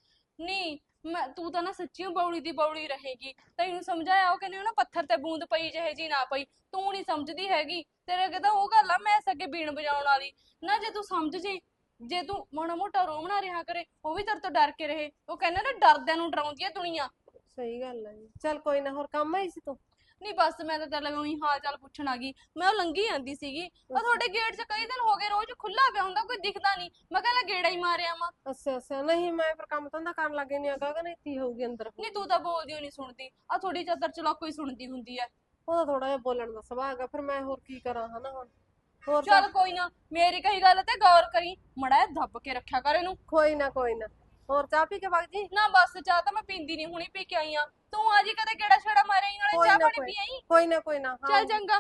ਨਹੀਂ ਮੈਂ ਤੂੰ ਤਾਂ ਨਾ ਸੱਚੀਓ ਬੌਲੀ ਦੀ ਬੌਲੀ ਰਹੇਗੀ, ਤੈਨੂੰ ਸਮਝਾਇਆ ਉਹ ਕਹਿੰਦੇ ਨਾ ਪੱਥਰ ਤੇ ਬੂੰਦ ਪਈ ਜਿਹੇ ਜੀ ਨਾ ਪਈ, ਤੂੰ ਨਹੀਂ ਸਮਝਦੀ ਹੈਗੀ। ਤੇਰੇ ਅੱਗੇ ਤਾਂ ਉਹ ਗੱਲ ਆ ਮੈਂ ਸਕੇ ਬੀਣ ਵਜਾਉਣ ਵਾਲੀ ਨਾ, ਜੇ ਤੂੰ ਸਮਝ ਜੇ, ਜੇ ਤੂੰ ਮਾੜਾ ਮੋਟਾ ਰੋਮ ਨਾ ਰਿਹਾ ਕਰੇ, ਉਹ ਵੀ ਤੇਰੇ ਤੋਂ ਡਰ ਕੇ ਰਹੇ। ਉਹ ਕਹਿੰਦੇ ਨਾ ਡਰਦਿਆਂ ਨੂੰ ਡਰਾਉਂਦੀ ਆ ਦੁਨੀਆ। ਸਹੀ ਗੱਲ ਹੈ ਜੀ। ਚੱਲ ਕੋਈ ਨਾ, ਹੋਰ ਕੰਮ ਆਈ ਸੀ ਤੂੰ? ਨਹੀਂ ਬਸ ਮੈਂ ਤਾਂ ਤੇਰੇ ਲਈ ਹਾਲ ਚਾਲ ਪੁੱਛਣ ਆ ਗਈ, ਮੈਂ ਉਹ ਲੰਘੀ ਜਾਂਦੀ ਸੀਗੀ, ਉਹ ਤੁਹਾਡੇ ਗੇਟ 'ਚ ਕਈ ਦਿਨ ਹੋ ਗਏ ਰੋਜ਼ ਖੁੱਲਾ ਪਿਆ ਹੁੰਦਾ, ਕੋਈ ਦਿਖਦਾ ਨਹੀਂ, ਮੈਂ ਕਹਿੰਦਾ ਗੇੜਾ ਹੀ ਮਾਰਿਆ ਵਾ। ਅੱਛਾ ਅੱਛਾ, ਨਹੀਂ ਮੈਂ ਫਿਰ ਕੰਮ ਧੰਦਾ ਕਰਨ ਲੱਗੇ ਨਹੀਂ ਆਗਾ, ਨਹੀਂ ਕੀ ਹੋਊਗੀ ਅੰਦਰ। ਨਹੀਂ ਤੂੰ ਤਾਂ ਬੋਲਦੀ ਓ ਨਹੀਂ ਸੁਣਦੀ, ਆ ਥੋੜੀ ਚਾਦਰ ਚਲਾਕੋ ਹੀ ਸੁਣਦੀ ਹੁੰਦੀ ਐ। ਉਹਦਾ ਥੋੜਾ ਜਿਹਾ ਬੋਲਣ ਦਾ ਸੁਭਾਅ ਹੈਗਾ, ਫਿਰ ਮੈਂ ਹੋਰ ਕੀ ਕਰਾਂ ਹਨਾ ਹੁਣ। ਹੋਰ ਚੱਲ ਕੋਈ ਨਾ, ਮੇਰੀ ਕਹੀ ਗੱਲ ਤੇ ਗੌਰ ਕਰੀ, ਮੜਾ ਦੱਬ ਕੇ ਰੱਖਿਆ ਕਰ ਇਹਨੂੰ। ਕੋਈ ਨਾ ਕੋਈ ਨਾ, ਹੋਰ ਚਾਹ ਪੀ ਕੇ ਵਗ ਜੀ। ਨਾ ਬਸ ਚਾਹ ਤਾਂ ਮੈਂ ਪੀਂਦੀ ਨਹੀਂ, ਹੁਣੀ ਪੀ ਕੇ ਆਈ ਆ, ਤੂੰ ਆ ਜੀ ਕਦੇ ਕਿਹੜਾ ਛੇੜਾ ਮਾਰਿਆ ਈ, ਨਾਲੇ ਕੋਈ ਚਾਹ ਨਾ ਪਾਣੀ ਕੋਈ ਪੀ ਆਈ। ਕੋਈ ਨਾ ਕੋਈ ਨਾ, ਚੱਲ ਚੰਗਾ।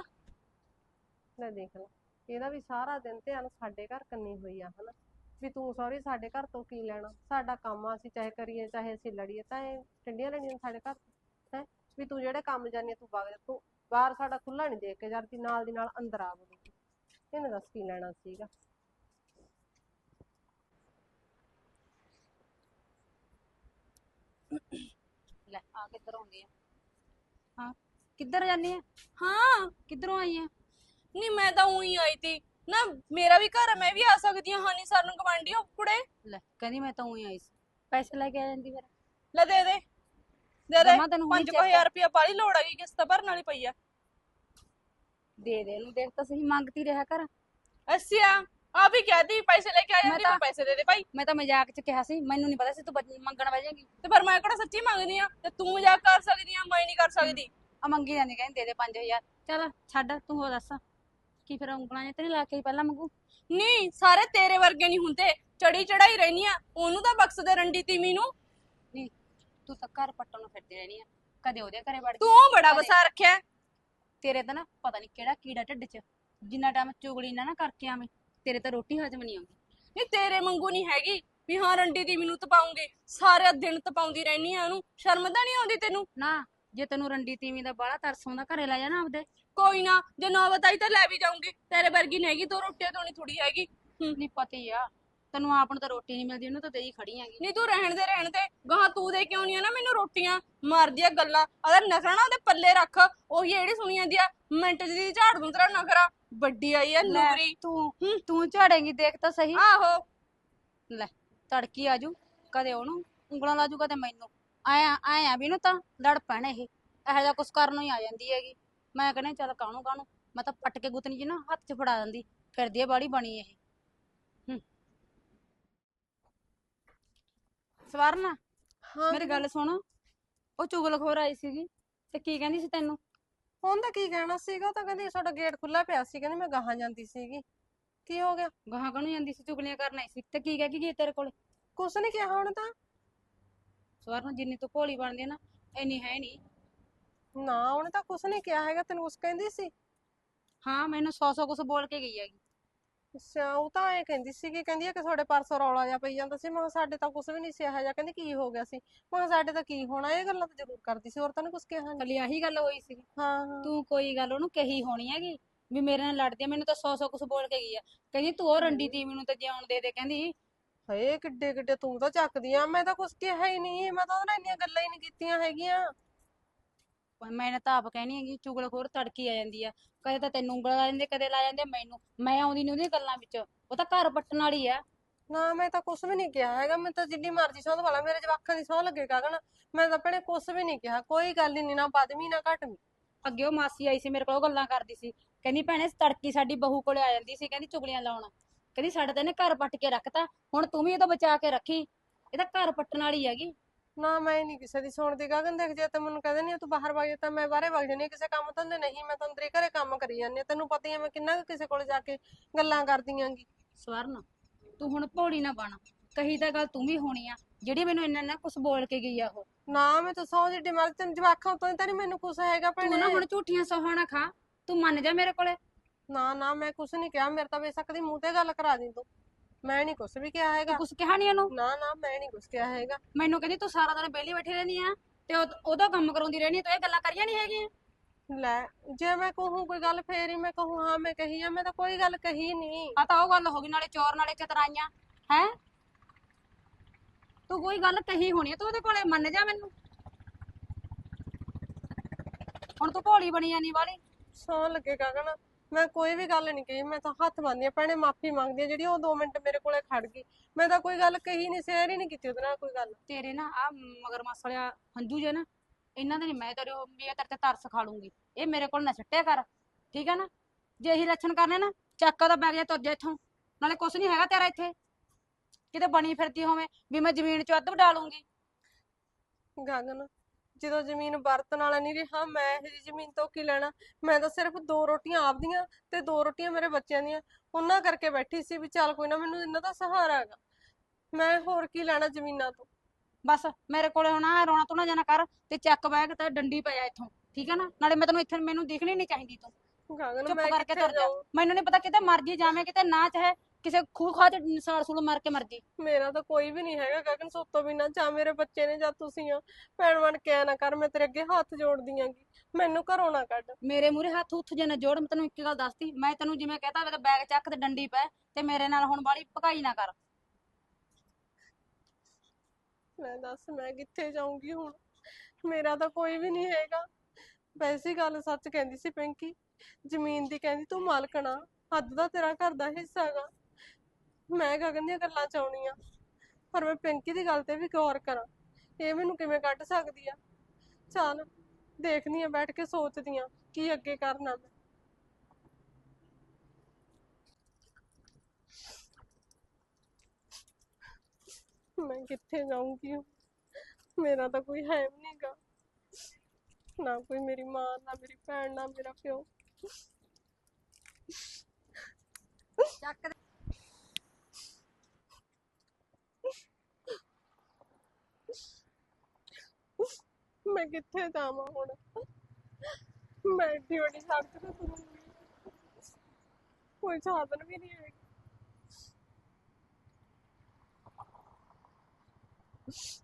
ਲੈ ਦੇਖ ਲੈ, ਇਹਦਾ ਵੀ ਸਾਰਾ ਦਿਨ ਧਿਆਨ ਸਾਡੇ ਘਰ ਕੰਨੀ ਹੋਈ ਆ ਹਨਾ, ਵੀ ਤੂੰ ਸੌਰੀ ਸਾਡੇ ਘਰ ਤੋਂ ਕੀ ਲੈਣਾ, ਸਾਡਾ ਕੰਮ ਆ, ਅਸੀਂ ਚਾਹੇ ਕਰੀਏ ਚਾਹੇ ਅਸੀਂ ਲੜੀਏ, ਤਾਂ ਇਹ ਟੰਡੀਆਂ ਲੈਣੀਆਂ ਸਾਡੇ ਘਰ ਹੈ। ਵੀ ਤੂੰ ਜਿਹੜੇ ਕੰਮ ਜਾਨੀ ਆ ਤੂੰ ਵਗ ਜਾ, ਤੂੰ ਬਾਹਰ ਸਾਡਾ ਖੁੱਲਾ ਨਹੀਂ ਦੇਖ ਕੇ ਜਾਂਦੀ, ਨਾਲ ਦੀ ਨਾਲ ਅੰਦਰ ਆ ਵੜੀ, ਇਹਨੇ ਦੱਸ ਕੀ ਲੈਣਾ ਸੀਗਾ। ਲੈ ਆ ਕਿੱਧਰ ਆਉਂਦੀ ਆ? ਹਾਂ ਕਿੱਧਰ ਜਾਨੀ ਆ? ਹਾਂ ਕਿੱਧਰੋਂ ਆਈ ਆ? ਨਹੀਂ ਮੈਂ ਤਾਂ ਉਹੀ ਆਈ ਤੀ ਨਾ, ਮੇਰਾ ਵੀ ਘਰ ਹੈ, ਮੈਂ ਵੀ ਆ ਸਕਦੀ ਹਾਂ। ਹਾਨੀ ਸਰ ਨੂੰ ਗਵਾਂਢੀ ਹੋ ਕੁੜੇ। ਲੈ ਕਹਿੰਦੀ ਮੈਂ ਤਾਂ ਉਹੀ ਆਈ ਸੀ, ਪੈਸੇ ਲੈ ਕੇ ਆ ਜਾਂਦੀ ਫਿਰ। ਲੈ ਦੇ ਦੇ ਦੇ ਦੇ ਜਮਾਂ ਤੈਨੂੰ ਹੁਣੀ ਪੰਜ check ਹਜ਼ਾਰ ਰੁਪਇਆ ਬਾਹਲੀ ਲੋੜ ਹੈਗੀ, ਕਿਸ਼ਤ ਭਰਨ ਵਾਲੀ ਪਈ ਆ। ਦੇ ਦੇ ਇਹਨੂੰ, ਦੇਖ ਤਾਂ ਸਹੀ ਮੰਗਤੀ ਰਿਹਾ ਕਰ। ਅੱਛਾ ਆ ਵੀ ਕਹਤੀ ਪੈਸੇ ਲੈ ਕੇ ਆ ਮੈਂ ਜਾਂਦੀ, ਤਾਂ- ਫਿਰ ਪੈਸੇ ਦੇ ਦੇ ਭਾਈ। ਮੈਂ ਤਾਂ ਮਜ਼ਾਕ ਚ ਕਿਹਾ ਸੀ, ਮੈਨੂੰ ਨਹੀਂ ਪਤਾ ਸੀ ਤੂੰ ਬੱਜ- ਮੰਗਣ ਬਹਿ ਜਾਏਗੀ। ਤੇ ਪਰ ਮੈਂ ਕਿਹੜਾ ਸੱਚੀ ਮੰਗਦੀ ਆ, ਤੇ ਤੂੰ ਮਜ਼ਾਕ ਕਰ ਸਕਦੀ ਆ, ਮੈਂ ਨਹੀਂ ਕਰ ਸਕਦੀ। ਆ ਮੰਗੀ ਜਾਂਦੀ, ਕਹਿੰਦੀ ਦੇ ਦੇ ਪੰਜ ਹਜ਼ਾਰ। ਚੱਲ ਛੱਡ ਤੂੰ, ਹੋ ਦੱਸ ਕੀ ਫਿਰ ਉਂਗਲਾਂ ਜਿਹਾ ਤੇ ਨੀ ਲਾ ਕੇ ਆਈ ਪਹਿਲਾਂ ਮੰਗੂ? ਨਹੀਂ ਸਾਰੇ ਤੇਰੇ ਵਰਗੇ ਨਹੀਂ ਹੁੰਦੇ, ਚੜੀ ਚੜਾਈ ਰਹਿਨੀ ਆ, ਉਹਨੂੰ ਤਾਂ ਬਖਸ਼ਦੇ ਰੰਡੀ ਤੀਮੀ ਨੂੰ। ਨਹੀਂ ਤੂੰ ਤਾਂ ਘਰ ਪੱਟਣ ਨੂੰ ਫਿਰਦੀ ਰਹਿਣੀ ਆ, ਕਦੇ ਉਹਦੇ ਘਰੇ ਵੜ ਤੂੰ ਗਈ, ਉਹ ਬੜਾ ਕਦੇ- ਵਸਾ ਰੱਖਿਆ। ਤੇਰੇ ਤਾਂ ਨਾ ਪਤਾ ਨਹੀਂ ਕਿਹੜਾ ਕੀੜਾ ਢਿੱਡ 'ਚ, ਜਿੰਨਾ ਟਾਈਮ ਚੁਗਲੀ ਨਾ ਨਾ ਕਰਕੇ ਆਵੇਂ ਤੇਰੇ ਤਾਂ ਰੋਟੀ ਹਜਮ ਨਹੀਂ ਆਉਂਦੀ। ਨਹੀਂ ਤੇਰੇ ਵਾਂਗੂ ਨਹੀਂ ਹੈਗੀ ਵੀ ਹਾਂ ਰੰਡੀ ਤੀਮੀ ਨੂੰ ਤਪਾਉਂਗੀ, ਸਾਰੇ ਦਿਨ ਤਪਾਉਂਦੀ ਰਹਿਨੀ ਆ ਉਹਨੂੰ। ਸ਼ਰਮ ਤਾਂ ਨਹੀਂ ਆਉਂਦੀ ਤੈਨੂੰ? ਨਾ ਜੇ ਤੈਨੂੰ ਰੰਡੀ ਤੀਵੀਂ ਦਾ ਬਾਹਲਾ ਤਰਸ ਆਉਂਦਾ ਘਰੇ ਲੈ ਜਾਣਾ ਆਪਦੇ। ਕੋਈ ਨਾ, ਜੇ ਨੌਬਤ ਆਈ ਤਾਂ ਲੈ ਵੀ ਜਾਊਂਗੀ। ਤੇਰੇ ਵਰਗੀ ਨਹੀਂ ਹੈਗੀ, ਦੋ ਰੋਟੀਆਂ ਤੋਂ ਨਹੀਂ ਥੋੜੀ ਹੈਗੀ। ਨਹੀਂ ਪਤਾ ਹੀ ਆ ਤੈਨੂੰ, ਆਪ ਨੂੰ ਤਾਂ ਰੋਟੀ ਨਹੀਂ ਮਿਲਦੀ, ਉਹਨੂੰ ਤਾਂ ਦੇਈ ਖੜੀ ਹੈਗੀ। ਨਹੀਂ ਤੂੰ ਰਹਿਣ ਦੇ ਰਹਿਣ ਦੇ, ਗਾਹਾਂ ਤੂੰ ਦੇ ਕਿਉਂ ਨਹੀਂ ਆ ਨਾ ਮੈਨੂੰ ਰੋਟੀਆਂ? ਮਾਰਦੀਆਂ ਗੱਲਾਂ, ਅਗਰ ਨਖਰਾ ਨਾ ਉਹਦੇ ਪੱਲੇ ਰੱਖ। ਉਹੀ ਜਿਹੜੀ ਸੁਣੀ ਜਾਂਦੀ ਆ ਮਿੰਟ ਦੀ ਝਾੜ ਦੂੰ ਤੇਰਾ ਨਖਰਾ। ਵੱਡੀ ਆਈ ਆ ਲੈ ਨੂਰੀ। ਤੂੰ ਹੂੰ। ਤੂੰ ਝਾੜੇਂਗੀ, ਦੇਖ ਤਾਂ ਸਹੀ। ਆਹੋ ਲੈ ਤੜਕੀ ਆਜੂ, ਕਦੇ ਉਹਨੂੰ ਉਂਗਲਾਂ ਲਾਜੂ, ਕਦੇ ਮੈਨੂੰ। ਆਇਆ ਆਇਆ ਵੀ ਨੂੰ ਤਾਂ ਲੜ ਪੈਣ ਇਹ ਇਹੋ ਜਿਹਾ ਕੁਛ ਕਰਨ ਨੂੰ ਹੀ ਆ ਜਾਂਦੀ ਹੈਗੀ। ਮੈਂ ਕਹਿੰਦਾ ਚੱਲ ਕਾਹਨੂੰ ਕਾਹਨੂੰ, ਮੈਂ ਤਾਂ ਪੱਟ ਕੇ ਗੁੱਤਨੀ ਜੀ ਨਾ ਹੱਥ 'ਚ ਫੜਾ ਦਿੰਦੀ, ਫਿਰਦੀ ਆ ਬਾੜੀ ਬਣੀ ਇਹ। ਹੂੰ ਸਵਰਨ ਹਾਂ ਮੇਰੀ ਗੱਲ ਸੁਣ, ਉਹ ਚੁਗਲਖੋਰ ਆਈ ਸੀਗੀ ਤੇ ਕੀ ਕਹਿੰਦੀ ਸੀ ਤੈਨੂੰ? ਉਹਦਾ ਕੀ ਕਹਿਣਾ ਸੀਗਾ, ਉਹ ਤਾਂ ਕਹਿੰਦੀ ਸਾਡਾ ਗੇਟ ਖੁੱਲਾ ਪਿਆ ਸੀ, ਕਹਿੰਦੀ ਮੈਂ ਗਾਹਾਂ ਜਾਂਦੀ ਸੀਗੀ। ਕੀ ਹੋ ਗਿਆ? ਗਾਹਾਂ ਕਾਹਨੂੰ ਜਾਂਦੀ ਸੀ, ਚੁਗਲੀਆਂ ਕਰਨ ਆਈ ਸੀ ਤੇ ਕੀ ਕਹਿ ਕੇ ਗਈ ਤੇਰੇ ਕੋਲੇ? ਕੁਛ ਨੀ ਕਿਹਾ ਹੁਣ ਤਾਂ। ਸਵਰਨ ਜਿੰਨੀ ਤੂੰ ਭੋਲੀ ਬਣਦੀ ਆ ਨਾ, ਇੰਨੀ ਹੈ ਨਹੀਂ। ਨਾ ਉਹਨੇ ਤਾਂ ਕੁਛ ਨੀ ਕਿਹਾ ਹੈਗਾ, ਤੈਨੂੰ ਕੁਛ ਕਹਿੰਦੀ ਸੀ? ਹਾਂ ਮੈਨੂੰ ਸੌ ਸੌ ਕੁਛ ਬੋਲ ਕੇ ਗਈ ਹੈਗੀ। ਅੱਛਾ ਉਹ ਤਾਂ ਐ ਕਹਿੰਦੀ ਸੀਗੀ, ਕਹਿੰਦੀ ਆ ਕਿ ਤੁਹਾਡੇ ਪਰਸੋਂ ਰੌਲਾ ਜਿਹਾ ਪਈ ਜਾਂਦਾ ਸੀ। ਮੈਂ ਕਿਹਾ ਸਾਡੇ ਤਾਂ ਕੁਛ ਵੀ ਨਹੀਂ ਸੀ ਇਹੋ ਜਿਹਾ। ਕਹਿੰਦੀ ਕੀ ਹੋ ਗਿਆ ਸੀ? ਮੈਂ ਕਿਹਾ ਸਾਡੇ ਤਾਂ ਕੀ ਹੋਣਾ, ਇਹ ਗੱਲਾਂ ਤਾਂ ਜ਼ਰੂਰ ਕਰਦੀ ਸੀ, ਹੋਰ ਤਾਂ ਨੀ ਕੁਛ ਕਿਹਾ ਨੀ। ਕੱਲੀ ਆਹੀ ਗੱਲ ਹੋਈ ਸੀ? ਹਾਂ ਹਾਂ ਤੂੰ ਕੋਈ ਗੱਲ ਉਹਨੂੰ ਕਹੀ ਹੋਣੀ ਹੈਗੀ ਵੀ ਮੇਰੇ ਨਾਲ ਲੜਦੀ ਆ, ਮੈਨੂੰ ਤਾਂ ਸੌ ਸੌ ਕੁਛ ਬੋਲ ਕੇ ਗਈ ਆ। ਕਹਿੰਦੀ ਤੂੰ ਉਹ ਰੰਡੀ ਤੀਵੀਂ ਨੂੰ ਤਾਂ ਜਿਉਣ ਦੇ ਦੇ, ਕਹਿੰਦੀ। ਹਏ ਕਿੱਡੇ ਕਿੱਡੇ ਤੂੰ ਤਾਂ ਚੱਕਦੀ ਆ, ਮੈਂ ਤਾਂ ਕੁਛ ਕਿਹਾ ਹੀ ਨਹੀਂ, ਮੈਂ ਤਾਂ ਉਹਦੇ ਨਾਲ ਇੰਨੀਆਂ ਗੱਲਾਂ ਹੀ ਨਹੀਂ ਕੀਤੀਆਂ ਹੈਗੀਆਂ। ਮੈਂ ਤਾਂ ਆਪ ਕਹਿਣੀ ਹੈਗੀ, ਚੁਗਲਖੋਰ ਤੜਕੀ ਆ ਜਾਂਦੀ ਆ, ਕਦੇ ਤਾਂ ਤੈਨੂੰ ਉਂਗਲਾਂ ਲਾ ਜਾਂਦੇ, ਕਦੇ ਲਾ ਜਾਂਦੇ ਮੈਨੂੰ। ਮੈਂ ਆਉਂਦੀ ਨੀ ਉਹਦੀਆਂ ਗੱਲਾਂ ਵਿੱਚ, ਉਹ ਤਾਂ ਘਰ ਪੱਟਣ ਵਾਲੀ ਆ। ਨਾ ਮੈਂ ਤਾਂ ਕੁਛ ਵੀ ਨਹੀਂ ਕਿਹਾ ਹੈਗਾ, ਮੈਂ ਤਾਂ ਜਿੰਨੀ ਮਰਜ਼ੀ ਸਹੁੰ ਵਾਲਾ ਮੇਰੇ ਜਵਾਕਾਂ ਦੀ ਸਹੁੰ ਲੱਗੇ ਗਗਨ, ਮੈਂ ਤਾਂ ਭੈਣੇ ਕੁਛ ਵੀ ਨਹੀਂ ਕਿਹਾ, ਕੋਈ ਗੱਲ ਹੀ ਨਹੀਂ, ਨਾ ਵੱਧਵੀਂ ਨਾ ਘਟਵੀਂ। ਅੱਗੇ ਉਹ ਮਾਸੀ ਆਈ ਸੀ ਮੇਰੇ ਕੋਲ, ਉਹ ਗੱਲਾਂ ਕਰਦੀ ਸੀ, ਕਹਿੰਦੀ ਭੈਣੇ ਤੜਕੀ ਸਾਡੀ ਬਹੂ ਕੋਲੇ ਆ ਜਾਂਦੀ ਸੀ, ਕਹਿੰਦੀ ਚੁਗਲੀਆਂ ਲਾਉਣ, ਕਹਿੰਦੀ ਸਾਡੇ ਤਾਂ ਇਹਨੇ ਘਰ ਪੱਟ ਕੇ ਰੱਖਤਾ, ਹੁਣ ਤੂੰ ਵੀ ਇਹਦਾ ਬਚਾ ਕੇ ਰੱਖੀ, ਇਹ ਤਾਂ ਘਰ ਪੱਟਣ ਵਾਲੀ ਹੈਗੀ। ਨਾ ਮੈਂ ਨਹੀਂ ਕਿਸੇ ਦੀ ਸੁਣਦੀ ਗਗਨ, ਦੇਖ ਜੇ ਤੇ ਮੈਨੂੰ ਕਹਿੰਦੇ ਨਹੀਂ ਤੂੰ ਬਾਹਰ ਵਗ ਜਾ ਤਾਂ ਮੈਂ ਬਾਹਰੇ ਵਗ ਜਾਨੀ ਆਂ, ਕਿਸੇ ਕੰਮ ਧੰਦੇ ਨਹੀਂ, ਮੈਂ ਤਾਂ ਅੰਦਰੇ ਘਰੇ ਕੰਮ ਕਰੀ ਜਾਂਦੀ ਹਾਂ। ਤੈਨੂੰ ਪਤਾ ਹੀ ਆ ਮੈਂ ਕਿੰਨਾ ਕੁ ਕਿਸੇ ਕੋਲ ਜਾ ਕੇ ਗੱਲਾਂ ਕਰਦੀ ਆਂਗੀ। ਸਵਰਨ ਤੂੰ ਹੁਣ ਭੋਲੀ ਨਾ ਬਣ, ਕਹੀ ਤਾਂ ਗੱਲ ਤੂੰ ਵੀ ਹੋਣੀ ਆ, ਜਿਹੜੀ ਮੈਨੂੰ ਇੰਨਾ ਨਾ ਕੁਛ ਬੋਲ ਕੇ ਗਈ ਆ ਉਹ। ਨਾ ਮੈਂ ਤਾਂ ਸਹੁੰ ਜਿੱਡੀ ਮਰਜ਼ੀ, ਤੈਨੂੰ ਜਵਾਕਾਂ ਤੋਂ ਤਾਂ ਨਹੀਂ ਮੈਨੂੰ ਕੁਛ ਹੈਗਾ ਤੂੰ ਭੈਣੇ। ਨਾ ਹੁਣ ਝੂਠੀਆਂ ਸੌਹਾਂ ਨਾ ਖਾ, ਤੂੰ ਮੰਨ ਜਾ ਮੇਰੇ ਕੋਲੇ। ਨਾ ਨਾ ਮੈਂ ਕੁਛ ਨਹੀਂ ਕਿਹਾ, ਮੇਰੇ ਤਾਂ ਬੇਸ਼ੱਕ ਦੀ ਮੂੰਹ ਤੇ ਗੱਲ ਕਰਾ ਦੀ ਤੂੰ, ਮੈਂ ਨਹੀਂ ਕੁਛ ਵੀ ਕਿਹਾ ਹੈਗਾ। ਤੂੰ ਕੁਛ ਕਿਹਾ ਨੀ ਉਹਨੂੰ? ਨਾ ਨਾ ਮੈਂ ਨਹੀਂ ਕੁਛ ਕਿਹਾ ਹੈਗਾ। ਮੈਨੂੰ ਕਹਿੰਦੀ ਤੂੰ ਸਾਰਾ ਦਿਨ ਵਿਹਲੀ ਬੈਠੀ ਰਹਿੰਦੀ ਆ ਤੇ ਉਹ- ਉਹਦਾ ਕੰਮ ਕਰਾਉਂਦੀ ਰਹਿੰਦੀ ਆ, ਤੂੰ ਇਹ ਗੱਲਾਂ ਕਰੀਆਂ ਨਹੀਂ ਹੈਗੀਆਂ। ਲੈ ਜੇ ਮੈਂ ਕਹੂੰ ਕੋਈ ਗੱਲ ਫੇਰ ਹੀ ਮੈਂ ਕਹੂੰ ਹਾਂ ਮੈਂ ਕਹੀ ਆ, ਮੈਂ ਤਾਂ ਕੋਈ ਗੱਲ ਕਹੀ ਨਹੀਂ। ਆ ਤਾਂ ਉਹ ਗੱਲ ਹੋ ਗਈ, ਨਾਲੇ ਚੋਰ ਨਾਲੇ ਚਤਰਾਈਆਂ ਹੈ। ਤੂੰ ਕੋਈ ਗੱਲ ਕਹੀ ਹੋਣੀ ਆ, ਤੂੰ ਉਹਦੇ ਕੋਲੇ ਮੰਨ ਜਾ ਮੈਨੂੰ। ਹੁਣ ਤੂੰ ਭੋਲੀ ਬਣੀ ਜਾਨੀ ਵਾਲੀ। ਸੌਂ ਲੱਗੇ ਗਗਨ, ਮੈਂ ਕੋਈ ਵੀ ਗੱਲ ਨਹੀਂ ਕਹੀ, ਮੈਂ ਤਾਂ ਹੱਥ ਬੰਨ੍ਹਦੀ ਆ ਭੈਣੇ, ਮਾਫੀ ਮੰਗਦੀ ਆ ਜਿਹੜੀ ਉਹ ਦੋ ਮਿੰਟ ਮੇਰੇ ਕੋਲੇ ਖੜ ਗਈ। ਮੈਂ ਤਾਂ ਕੋਈ ਗੱਲ ਕਹੀ ਨਹੀਂ, ਸ਼ੇਅਰ ਹੀ ਨਹੀਂ ਕੀਤੀ ਉਹਦੇ ਨਾਲ ਕੋਈ ਗੱਲ। ਤੇਰੇ ਨਾ ਆ ਮਗਰ ਮਸਲਿਆ ਹੰਝੂ ਜੇ ਨਾ, ਇਹਨਾਂ ਦੇ ਨੀ ਮੈਂ ਤੇਰੇ ਉਹ ਵੀ ਇਹ ਤੇਰੇ ਤੇ ਤਰਸ ਖਾ ਲੂੰਗੀ, ਇਹ ਮੇਰੇ ਕੋਲ ਨਾ ਛੱਟਿਆ ਕਰ, ਠੀਕ ਹੈ ਨਾ? ਜੇ ਇਹੀ ਲੱਛਣ ਕਰਨੇ ਨਾ, ਚੱਕ ਉਹਦਾ ਬੈਗ ਜਾ ਤੁਰ ਜਾ ਇੱਥੋਂ, ਨਾਲੇ ਕੁਛ ਨਹੀਂ ਹੈਗਾ ਤੇਰਾ ਇੱਥੇ, ਕਿਤੇ ਬਣੀ ਫਿਰਦੀ ਹੋਵੇਂ ਵੀ ਮੈਂ ਜ਼ਮੀਨ ਚ ਅੱਧ ਵਡਾ ਲੂੰਗੀ। ਗਗਨ ਜਦੋਂ ਜ਼ਮੀਨ ਵਰਤਣ ਵਾਲਾ ਨਹੀਂ ਰਿਹਾ, ਮੈਂ ਇਹ ਜੀ ਜ਼ਮੀਨ ਤੋਂ ਕੀ ਲੈਣਾ? ਮੈਂ ਤਾਂ ਸਿਰਫ ਦੋ ਰੋਟੀਆਂ ਆਪਦੀਆਂ ਤੇ ਦੋ ਰੋਟੀਆਂ ਮੇਰੇ ਬੱਚਿਆਂ ਦੀਆਂ, ਉਹਨਾਂ ਕਰਕੇ ਬੈਠੀ ਸੀ ਵੀ ਚੱਲ ਕੋਈ ਨਾ ਮੈਨੂੰ ਇਹਨਾਂ ਦਾ ਸਹਾਰਾ ਹੈਗਾ, ਮੈਂ ਹੋਰ ਕੀ ਲੈਣਾ ਜ਼ਮੀਨਾਂ ਤੋਂ। ਬਸ ਮੇਰੇ ਕੋਲੇ ਹੁਣ ਆ ਰੋਣਾ ਧੋਣਾ ਜਾਣਾ ਕਰ ਤੇ ਚੱਕ ਬੈਗ ਤੇ ਡੰਡੀ ਪੈ ਜਾ ਇੱਥੋਂ, ਠੀਕ ਹੈ ਨਾ? ਨਾਲੇ ਮੈਂ ਤੈਨੂੰ ਇੱਥੇ ਮੈਨੂੰ ਦਿਖਣੀ ਨਹੀਂ ਚਾਹੀਦੀ, ਤੂੰ ਗਗਨ ਚੁੱਪ ਮੈਂ ਕਰਕੇ ਕਿੱਥੇ ਤੁਰ ਜਾ। ਜਾਊਂ? ਮੈਨੂੰ ਨਹੀਂ ਪਤਾ ਕਿਤੇ ਮਰਜੀ ਜਾਵੇਂ, ਕਿਤੇ ਨਾ ਚਾਹੇ ਕਿਸੇ ਖੂਹ ਖਾਹ ਚ ਸਾਲ ਸੂਲ ਮਾਰ ਕੇ ਮਰਜੀ। ਮੇਰਾ ਤਾਂ ਕੋਈ ਵੀ ਨਹੀਂ ਹੈਗਾ ਗਗਨ ਸੋਤੋਂ ਬਿਨਾਂ, ਜਾਂ ਮੇਰੇ ਬੱਚੇ ਨੇ ਜਾਂ ਤੁਸੀਂ ਆ। ਭੈਣ ਬਣ ਕੇ ਐ ਨਾ ਕਰ, ਮੈਂ ਤੇਰੇ ਅੱਗੇ ਹੱਥ ਜੋੜਦੀ ਆਂਗੀ, ਮੈਨੂੰ ਘਰੋਂ ਨਾ ਕੱਢ। ਮੇਰੇ ਮੂਹਰੇ ਹੱਥ ਉੱਥ ਜੇ ਨਾ ਜੋੜ, ਮੈਂ ਤੈਨੂੰ ਇੱਕ ਗੱਲ ਦੱਸਤੀ, ਮੈਂ ਤੈਨੂੰ ਜਿਵੇਂ ਕਹਤਾ ਹੋਵੇ ਤਾਂ ਬੈਗ ਚੱਕ ਤੇ ਡੰਡੀ ਪੈ, ਤੇ ਮੇਰੇ ਨਾਲ ਹੁਣ ਬਾਹਲੀ ਭਕਾਈ ਨਾ ਕਰ। ਮੈਂ ਦੱਸ ਮੈਂ ਕਿੱਥੇ ਜਾਊਂਗੀ ਹੁਣ? ਮੇਰਾ ਤਾਂ ਕੋਈ ਵੀ ਨਹੀਂ ਹੈਗਾ। ਵੈਸੇ ਗੱਲ ਸੱਚ ਕਹਿੰਦੀ ਸੀ ਪਿੰਕੀ, ਜ਼ਮੀਨ ਦੀ ਕਹਿੰਦੀ ਤੂੰ ਮਾਲਕਣ ਆ, ਅੱਧ ਦਾ ਤੇਰਾ ਘਰ ਦਾ ਹਿੱਸਾ ਗਾ। ਮੈਂ ਗਗਨ ਦੀਆਂ ਗੱਲਾਂ ਚ ਆਉਣੀ ਆ, ਪਰ ਮੈਂ ਪਿੰਕੀ ਦੀ ਗੱਲ ਤੇ ਵੀ ਗੌਰ ਕਰਾਂ, ਇਹ ਮੈਨੂੰ ਕਿਵੇਂ ਕੱਢ ਸਕਦੀ ਆ। ਚੱਲ ਦੇਖਦੀ ਆ, ਬੈਠ ਕੇ ਸੋਚਦੀ ਆ ਕੀ ਅੱਗੇ ਕਰਨਾ ਮੈਂ। ਮੈਂ ਕਿੱਥੇ ਜਾਊਂਗੀ, ਮੇਰਾ ਤਾਂ ਕੋਈ ਹੈ ਵੀ ਨਹੀਂ ਗਾ, ਨਾ ਕੋਈ ਮੇਰੀ ਮਾਂ, ਨਾ ਮੇਰੀ ਭੈਣ, ਨਾ ਮੇਰਾ ਪਿਓ। ਮੈਂ ਕਿੱਥੇ ਜਾਵਾਂ ਹੁਣ, ਮੈਂ ਏਡੀ ਵੱਡੀ ਸੜਕ ਤੇ ਤੁਰੂੰਗੀ, ਕੋਈ ਸਾਧਨ ਵੀ ਨਹੀਂ ਹੈਗਾ।